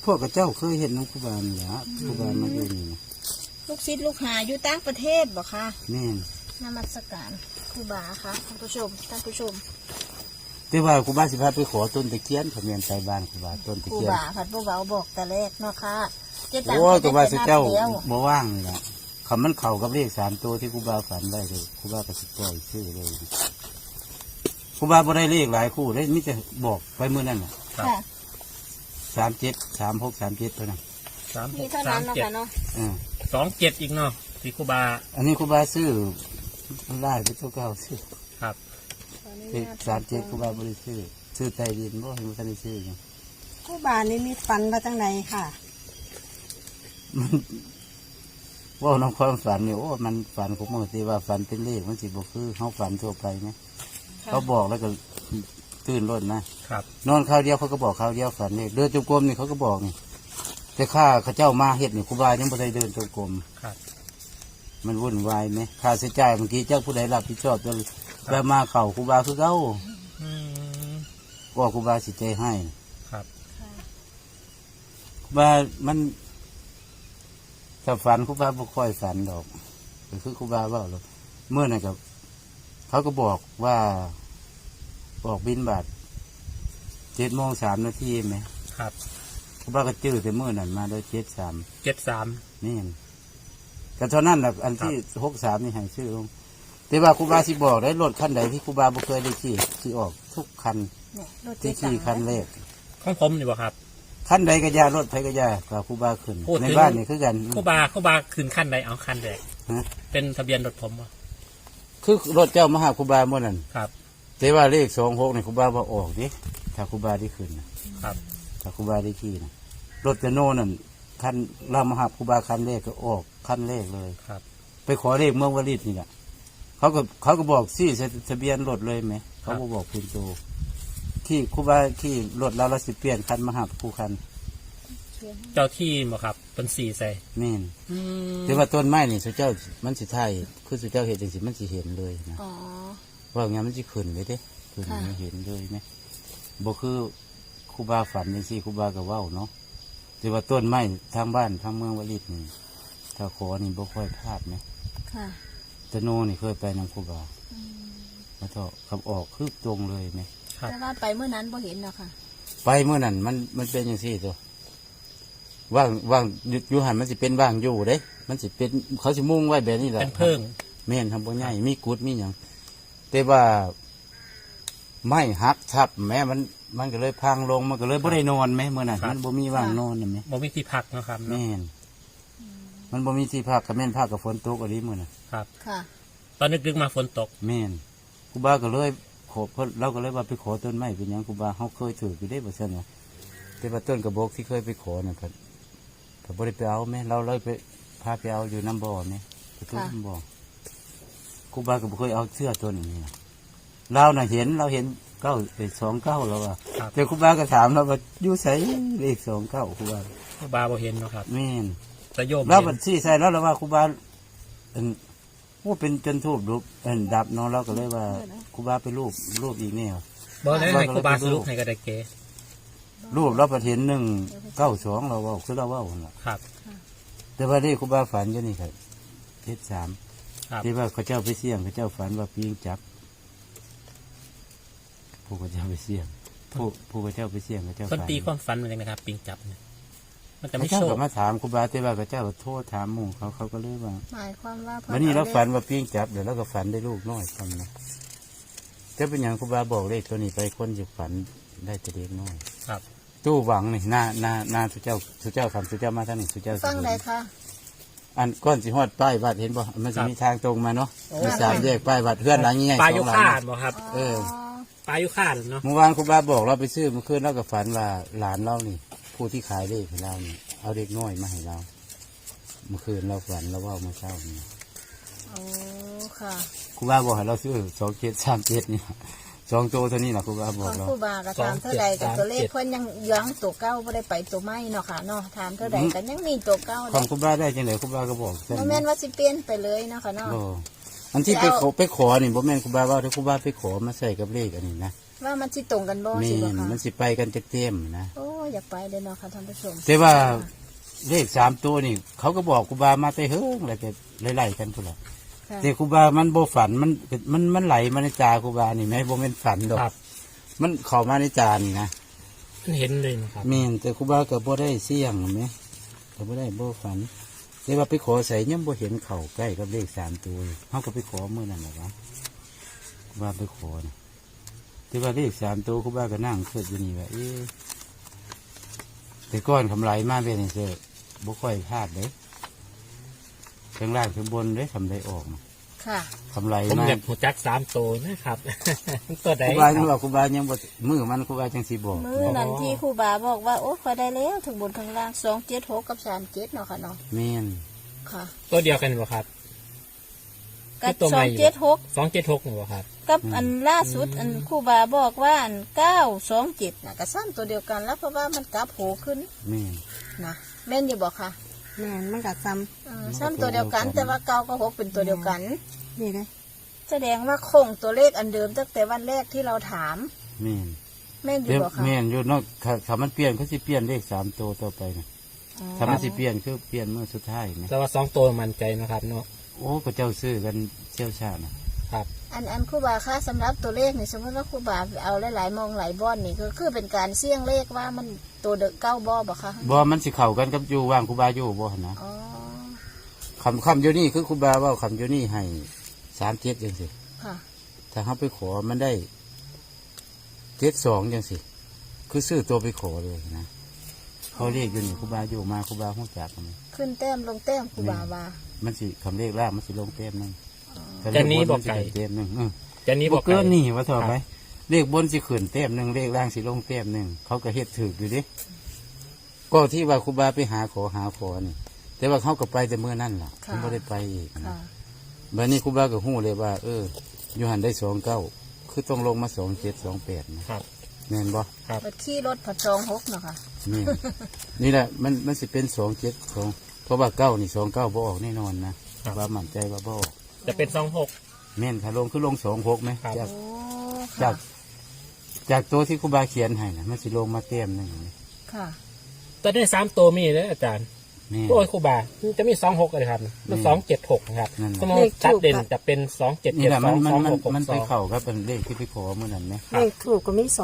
พวกกับเจ้าเคยเห็นน้องครูบาเนี่ยครูบามาอยู่นี่นะลูกศิษย์ลูกหาอยู่ต่างประเทศบ่คะแม่นนมัสการครูบาค่ะท่านผู้ชมแต่ว่าครูบาสิพาไปขอต้นตะเคียนเขาเมียนใจบ้านครูบาต้นตะครูเคียนบาผัดผู้เบาบอกแต่แรกเนาะค่ะเจ๊ตังโอ้ครูบาสิเจ้าแล้วบ่ว่างนี่ละคำมันเข่ากับเลข3 ตัวที่ครูบาฝันได้เลยครูบาก็สิปล่อยชื่อเลยครูบาบ่ได้เลขหลายคู่เลยมิจะบอกไปเมื่อนั้นน่ะค่ะ 37 36 37เท่านั้นมีเท่า 36 นั้นเนาะค่ะเนาะ 27อีกเนาะที่ครูบาอันนี้ครูบาซื้อมันได้ไปตัวเก่าซื้อครับ 37ครูบาบ่ได้ซื้อใต้ดินบ่ให้มันได้ซื้ออยู่ครูบานี่มีฝันมาจังไหนค่ะมันว่าน้องความฝันเนี่ยโอ้มันฝันของมันที่ว่าฝันเป็นเลขมันสิบ่คือเขาฝันทั่วไปไหมเขาบอกแล้วก็ตื่นรถนะครับ นอนข้าวเดียวเขาก็บอกข้าวเดียวฝันเลขเดินจงกรมนี่เขาก็บอกนี่แต่ข้าเขาเจ้ามาเฮ็ดนี่ครูบายังบ่ได้เดินจงกรมครับมันวุ่นวายไหมค่าใช้จ่ายเมื่อกี้เจ้าผู้ใดรับผิดชอบตัวแบบมาเข่าครูบาคือเก่าอืมว่าครูบาสิใจให้ครับครูบามันถ้าฝันครูบาบ่ค่อยฝันดอกก็คือครูบาเว่าหรอกเมื่อนั้นกับเขาก็บอกว่าบอกบินบาท7:03 นาทีไหมครับครูบาก็จื้อแต่เมื่อนั้นมาโดย73 73 นี่ก็เท่านั้นแหละอันที่63นี่ให้ชื่อลงแต่ว่าครูบาสิบอกได้รถคันใดที่ครูบาบ่เคยได้ขี่ออกทุกคันเนี่ยรถที่เจ๊ตัขี่งคันแรกของผมนี่บ่ครับคันใดก็ยารถไผก็ยากับครูบาขึ้นพูดถึงในบ้านนี่คือกันครูบาคืนขั้นใดเอาขั้นแรกฮะเป็นทะเบียนรถผมบ่คือรถเจ้ามาหาครูบาเมื่อนั้นครับแต่ว่าเลข26นี่ครูบาบ่ออกดิถ้าครูบาได้ขึ้นนะครับ ถ้าครูบาได้ขี่นะรถจะโน่นั่นคันเรามาหาครูบาคันแรกก็ออกคันแรกเลยครับไปขอเลขเมืองวลิตนี่แหละเขาก็บอกซี่ทะเบียนรถเลยไหมเขาก็บอกคุณโตที่ครูบาที่รถเราสิเปลี่ยนคันมาหาครูคันเจ้าที่บ่ครับเป็น4ใส่แม่นอืมแต่ว่าต้นไม้นี่สุเจ้ามันสิไทยคือสุเจ้าเห็นจังสิมันสิเห็นเลยนะอ๋อว่าอย่างนั้นมันสิขึ้นเลยเด้ขึ้นค่ะไม่เห็นเลยไหมบ่คือครูบาฝันจังซี่ครูบาก็เว้าเนาะแต่ว่าต้นไม้ทางบ้านทางเมืองวลิตนี่ถ้าขอนี่บ่ค่อยพลาดไหมค่ะตะโนนี่เคยไปนำครูบาแล้วก็ขับออกคือตรงเลยไหมครับแต่ว่าไปเมื่อนั้นบ่เห็นเนาะค่ะไปเมื่อนั้นมันเป็นอย่างซี่ตัวว่างอยู่หันมันสิเป็นว่างอยู่เด้ มันสิเป็นเขาสิมุ่งไว้แบบนี้แหละเป็นเพิ่งแม่นทำบ่ใหญ่มีกุดมีหยังแต่ว่าไม่หักทับแม้มันก็เลยพังลงมันก็เลยบ่ได้นอนแม้เมื่อนั้นมันบ่มีว่างนอนน่ะแม่บ่มีที่พักเนาะครับเนาะแม่นมันบ่มีที่พักก็แม่นพักกับฝนตกอะไรมื้อน่ะครับค่ะตอนนึกๆมาฝนตกแม่นครูบาก็เลยขอเพิ่นเราก็เลยว่าไปขอต้นไม้เป็นหยังครูบาเฮาเคยถืออยู่ได้บ่ซั่นว่าแต่ว่าต้นกระบอกที่เคยไปขอน่ะก็บ่ได้ไปเอาแม่เราเลยไปพาไปเอาอยู่น้ำบ่อแม่ไปทุบน้ำบ่อครูบาก็บ่เคยเอาเสื้อตัวนี้นะเราน่ะเห็นเก้าไป29แล้วว่าครับแต่ครูบาก็ถามเราว่าอยู่ไสเลข29ครูบาครูบาบ่เห็นเนาะครับแม่นแต่โยมเราเห็บันดซี่ใส่แล้วเราว่าครูบาอันโอ้เป็นจนทูบรูปดับเนาะเราก็เลยว่าครูบาไปรูปอีกแนวบ่ได้ให้ครูบาสรุปให้ก็ได้เก๋รูปเราประเห็น192เราเว่าคือเราเว่าหั่นล่ะครับแต่ว่าได้ครูบาฝันอยู่นี่ครับ73 ครับที่ว่าเขาเจ้าไปเสี่ยงเขาเจ้าฝันว่าปีงจับผู้เขาเจ้าไปเสี่ยงผู้เขาเจ้าไปเสี่ยงเขาเจ้าคนฝันตีความฝันมันเลยนะครับ ปิงจับเนี่ยมันจะเขาไม่เจ้าโชก็คมาถามครูบาแต่ว่าเขาเจ้าก็โทษถามหมู่เขาก็เลยว่าหมายความว่าวันนี้เราฝันว่าปีงจับเดี๋ยวเราก็ฝันได้ลูกน้อยคนนะจะเป็นอย่างครูบาบอกเลขตัวนี้ไปคนจะฝันได้แต่เด็กน้อยครับตู้หวังนี่หน้าสุเจ้าคำสุเจ้ามาท่านนี่สุเจ้าฟังไหนคะอันก้อนสิฮอดป้ายวัดเห็นบ่มันจะมีทางตรงมาเนาะมี3 แยกป้ายวัดเพื่อนหลังใหญ่ปลาสยุองหลัคาง ดบ่ครับเออปลายุคาดเนาะเมื่อวานครูบาบอกเราไปซื้อเมื่อคืนเราก็ฝันว่าหลานเรานี่ ผู้ที่ขายเลขให้เรานี่เอาเด็กน้อยมาให้เรา เมื่อคืนเราฝันเราว่าเมื่อเช้านี่โอ้ค่ะครูบาบอกให้เราซื้อ2737นี่2 ตัวเท่านี้นะครูบาบขออก งเราครูบาก็ถามเท่าใดกับตัวเลขเพิ่นยังย้องตัวเก้าไม่ได้ไปตัวไม่เนาะค่ะเนาะถามเท่าใดกันยังมีตัวเก้าขอเด้งครูบาได้จังไดครูบาก็บอกเส้นบ่แม่นว่าสิเปลี่ยนไปเลยเนาะค่ะเนาะโอ้อันที่ไปขอนี่บ่แม่นครูบาว่าถ้าครูบาไปขอมาใส่กับเลขอันนี้นะว่ามันสิตรงกันบ่แม่สิบ่นค่ะมันสิไปกันเต็มๆนะโอ้อยากไปเลยเนาะค่ะท่านผู้ชมแต่ว่าเลข3ตัวนี่ เขาก็บอกครูบามาแต่เฮิงอะไรก็ไล่ๆกันพุ่นล่ะค่ะแต่ครูบามันบ่ฝันมันไหลมาในจาครูบานี่แม่บ่แม่นฝันดอกครับมันเข้ามาในจานี่นะเห็นเลยนะครับแม่นแต่ครูบาก็บ่ได้เสี่ยงแหมก็บ่ได้บ่ฝันแต่ว่าไปขอใส่ยังบ่เห็นเข้าใกล้กับเลข3ตัวเฮาก็ไปขอมื้อนั้นแหละวะครูบาไปขอนะแต่ว่าเลข3ตัวครูบาก็นั่งคิดอยู่นี่ว่าเอ๊ะแต่ก้อนกำไรมาเป็นจังซี่บ่ค่อยพลาดเด้ข้างล่างข้างบนเด้ทำได้ออกนะค่ะกำไรผมมาอยากหัวจัก3ตัวนะครับ ตัวใดครูบายังบอกครูบายังบ่มือมันครูบาจังสิบอกมื้อนั้นที่ครูบาบอกว่าโอ้ขอยได้แล้วถึงบนข้างล่าง276กับ37เนาะค่ะเนาะแม่นค่ะตัวเดียวกันบ่ครับกับตัวใหม่อยู่ 276 276บ่ครับกับอันล่าสุดอันครูบาบอกว่าอัน927น่ะก็ซ้ำตัวเดียวกันแล้วเพราะว่ามันกลับโผขึ้นแม่นนะแม่นอยู่บอกค่ะแม่นมันก็ซ้ซ้ำตัวเดียวกัน แต่ว่าเก้ากับหกเป็นตัวเดียวกันำนี่เลยแสดงว่าคงตัวเลขอันเดิมตั้งแต่วันแรกที่เราถามแม่นแม่นอยู่เดี๋ยวบอกค่ะแม่นอยู่เนอกถ้ามันเปลี่ยนเขาสิเปลี่ยนเลข3ตัวต่อไปนะถ้ามันสิเปลี่ยนคือเปลี่ยนเมื่อสุดท้ายนะแต่ว่า2ตัวมั่นใจนะครับเนาะโอ้ก็เจ้าซื้อกันเชี่ยวชาญนะครับอันครูบาค่ะสำหรับตัวเลขนี่สมมติว่าครูบาเอาหลายๆมองหลายบ้อนนี่ก็คือเป็นการเสี่ยงเลขว่ามันตัวเด็กเก้าบ่บอกค่ะบ่มันสิเข้ากันกับอยู่ว่างครูบาอยู่บ่หั่นนะอ๋อคำอยู่นี่คือครูบาเว้าคำอยู่นี่ให้37จังซี่ค่ะถ้าเฮาไปขอมันได้72จังซี่คือซื้อตัวไปขอเลยนะเขาเรียกอยู่นี่ครูบาอยู่มาครูบาฮู้จักมันขึ้นแต้มลงแต้มครูบาว่ามันสิคำเลขล่างมันสิลงเต็มนึงจะนี้บอกไก่เต็มนึงจะนี้บบ ออก กเกิไก่นนี่ว่าถอดไหมเลขบนสิขึ้นเต็มหนึ่งเลขล่างสิลงเต็มหนึ่งเขาก็เฮ็ดถืออยู่ดิก็ที่ว่าครูบาไปหาขอนี่ แต่ว่าเขาก็ไปแต่เมื่อนั่นล่ะเขาไม่ได้ไปอีกค่ะนะบัดนี้ครูบาก็หู้เลยว่า อยู่หันได้29คือต้องลงมา27 28นะครับ แม่นบ่บัดขี่รถผัด26เนาะค่ะนี่ นี่แหละมันสิเป็น272เพราะว่า9นี่29บ่ออกแน่นอนนะว่ามั่นใจว่าบ่ออกจะเป็น26 แม่นค่ะลงคือลง26ไหมครับจากโอ้จาค่ะกจากตัวที่ครูบาเขียนให้นะมันสิลงมาเต็มหนึ่งค่ะตัวได้3ตัวมีเลยอาจารย์นี่โอ้ยครูบาจะมี26เลยครับมัน276นะครับนั่นน่ะสมมติตัดเด่นจะเป็นนี่แหละมัน 2772 มันไป 2662 เข้าครับเป็นเลขที่ไปขอเมื่อนั้นไหมครับเลขถูกก็มี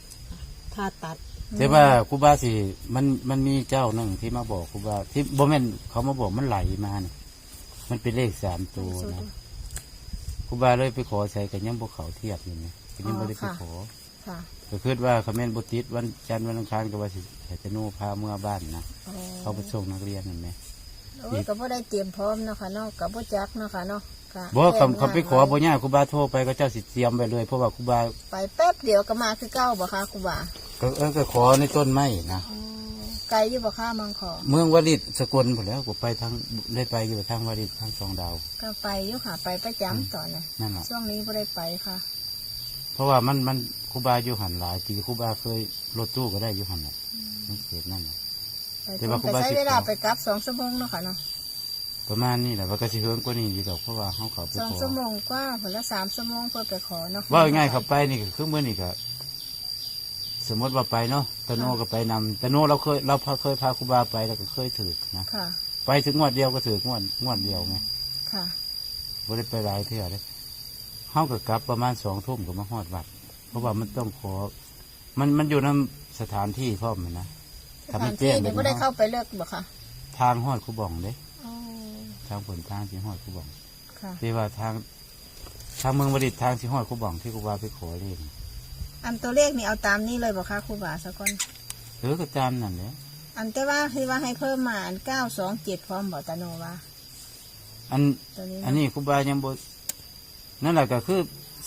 26ถ้าตัดแต่ว่าครูบาสิมันมีเจ้าหนึ่งที่มาบอกครูบาที่บ่แม่นเขามาบอกมันไหลมาเนี่ยมันเป็นเลข3ตัวนะครูบาเลยไปขอใส่กันยังบ่เขาเทียบอยู่เนี่ยก็ยังบ่ได้ไปขอค่ะก็คิดว่าคอมเมนต์บ่ติดวันจันทร์วันอังคารก็ว่าสิให้จะโน่พาเมื่อบ้านนะโอ้เขาไปส่งนักเรียนนั่นไหมโอ้ยก็บ่ได้เตรียมพร้อมเนาะค่ะเนาะก็บ่จักเนาะค่ะเนาะก็บ่คำไปขอบ่ยากครูบาโทรไปก็เจ้าสิเตรียมไปเลยเพราะว่าครูบาไปแป๊บเดียวก็มาคือเก้าบ่ค่ะครูบาก็ขอในต้นไม้นะอ๋อไกลอยู่บ่ค่ะมังขอเมืองวลิตสกลหมดแล้วก็ไปทางได้ไปอยู่ทางวลิตทางสองดาวก็ไปอยู่ค่ะ ไปประจำตอนน่ะนั่นแหละช่วงนี้บ่ได้ไปค่ะเพราะว่ามันครูบาอยู่หันหลายปีครูบาเคยรถตู้ก็ได้อยู่หันแหละมันเกิดนั่นแหละไปแต่ว่าครูบาใช้สิบเวลาไปกลับ2 ชั่วโมงเนาะค่ะเนาะประมาณนี้แหละว่าก็สิเฮิงกว่านี้อยู่ดอกเพราะว่าเขาเขาไปขอ 2 ชั่วโมงกว่าผลละ3 ชั่วโมงเพื่อไปขอเนาะว่าง่ายๆเขาไปนี่ก็คือเมื่อนี่ก็สมมติว่าไปเนาะตะโนก็ไปนำตะโนเราเคยพาครูบาไปแล้วก็เคยถือนะค่ะไปถึงงวดเดียวก็ถืองวดเดียวไงค่ะบ่ได้ไปหลายเที่ยวเลยเขาก็กลับประมาณ2 ทุ่มก็มาฮอดวัด เพราะว่ามันต้องขอ มันอยู่ในสถานที่พร้อมนะสถ้าถามันนแจ้ที่งนี่บ่ได้เข้าไปเลิกบ่ค่ะทางฮอดคูบ่องเด้อ๋อทางผลทางที่ฮอดคูบ่องค่ะที่ว่าทางเมืองบดิตทางที่ฮอดคูบ่องที่ครูบาไปขอเลขอันตัวเลขนี่เอาตามนี้เลยบ่ค่ะครูบาสักคนก็ตามนั่นแหละอันแต่ว่าที่ว่าให้เพิ่มมาอัน927พร้อมบ่ตาโนว่าอันตัวนี้อันนี้ครูบายังบ่นั่นแหละก็คือ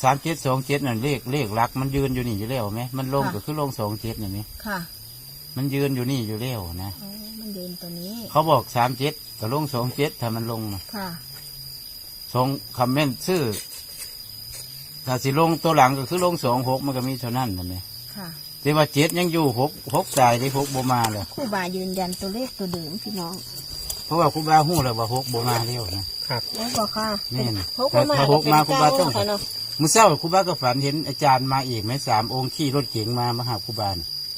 3727นั่นเลขหลักมันยืนอยู่นี่อยู่แล้วไหมมันลงก็คือลง27นี่ไหมค่ะมันยืนอยู่นี่อยู่แล้วนะอ๋อมันเดินตัวนี้เขาบอก37ก็ลง27ถ้ามันลงนะค่ะสองคำเมนต์ชื่อถ้าสิลงตัวหลังก็คือลง26มันก็มีเท่านั้นนะแม่ค่ะแต่ว่า7ยังอยู่6สายที่6บ่มาเลยครูบายืนยันตัวเลขตัวเดิมพี่น้องเพราะว่าครูบาฮู้แล้วว่า6บ่มาแล้วนะครับโอ้บอกค่ะแม่นพกมาถ้า6มาครูบาต้องค่ะเนาะมื้อเช้าครูบาก็ฝันเห็นอาจารย์มาอีกไหม3 องค์ขี่รถเก๋งมาหาครูบาน่ะครับ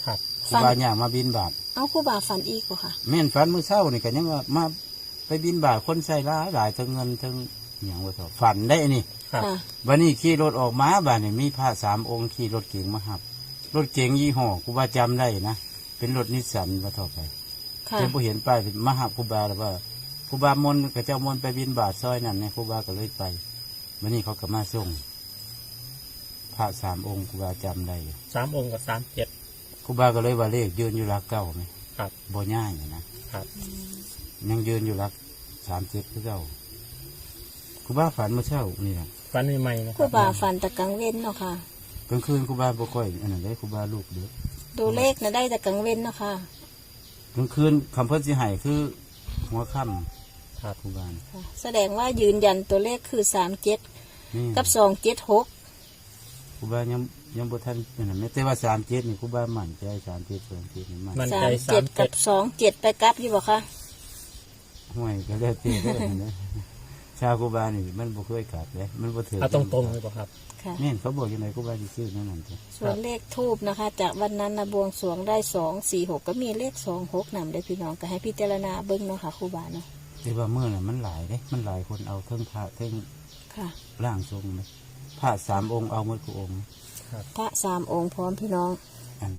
ครูบาย่างมาบินบาทเอาครูบาฝันอีกบ่ค่ะแม่นฝันมื้อเช้านี่ก็ยังว่ามาไปบินบาทคนใส่หลายทั้งเงินทั้งหยังว่าเถอะฝันได้นี่ครับค่ะวันนี้ขี่รถออกมาบ้านนี่มีพระ3 องค์ขี่รถเก๋งมาหับรถเก๋งยี่ห้อครูบาจำได้นะเป็นรถนิสสันว่าเถอะไปค่ะเจ้าผู้เห็นป้ายมาหับครูบาแล้วว่าครูบามนกับเจ้ามนไปบินบาทซอยนั่นเนี่ยครูบาก็เลยไปวันนี้เขาก็มาส่งพระ3 องค์ครูบาจำได้อยู่ 3 องค์กับ37 ครูบาก็เลยว่าเลขยืนอยู่หลักเก้าไหมครับบ่ง่ายนะครับ ยังยืนอยู่หลัก37คือเก้าครูบาฝันเมื่อเช้านี่แหละฝันใหม่ๆนะคครูรับบาฝันแต่กลางเว้นเนาะค่ะกลางคืนครูบาบ่ค่อยอันนั้นได้ครูบาลูกเด้อตัวเลขน่ะได้แต่กลางเว้นเนาะค่ะกลางคืนคำเพิ่นสิให้คือหัวค่ครับำครูบาค่ะ แสดงว่ายืนยันตัวเลขคือ37 นี่กับ276 ครูบายังบ่ทันอันนั้นแม้แต่ว่า37นี่ครูบามั่นใจ37 27นี่มั่นมันใจ 37กับ27ไปกลับอยู่บ่ค่ะห่วยก็แล้วแต่เด้อนั่นนะชาวครูบานี่มันบ่เคยกลับเลยมันบ่ถือเอาตรงๆเลยป่ะครับค่ะแม่นเขาบอกยังไงครูบาสิซื้อนั่นนั่นเถอะส่วนเลขทูบนะคะ จากวันนั้นนะบวงสรวงได้246ก็มีเลข26นำได้พี่น้องก็ให้พิจารณาเบิ่งเนาะค่ะครูบาเนาะแต่ว่ามื้อน่ะมันหลายเด้มันหลายคนเอาเทิงพระเทิงค่ะร่างทรงไหมพระ3 องค์เอาหมดทุกองค์พระ3 องค์พร้อมพี่น้อง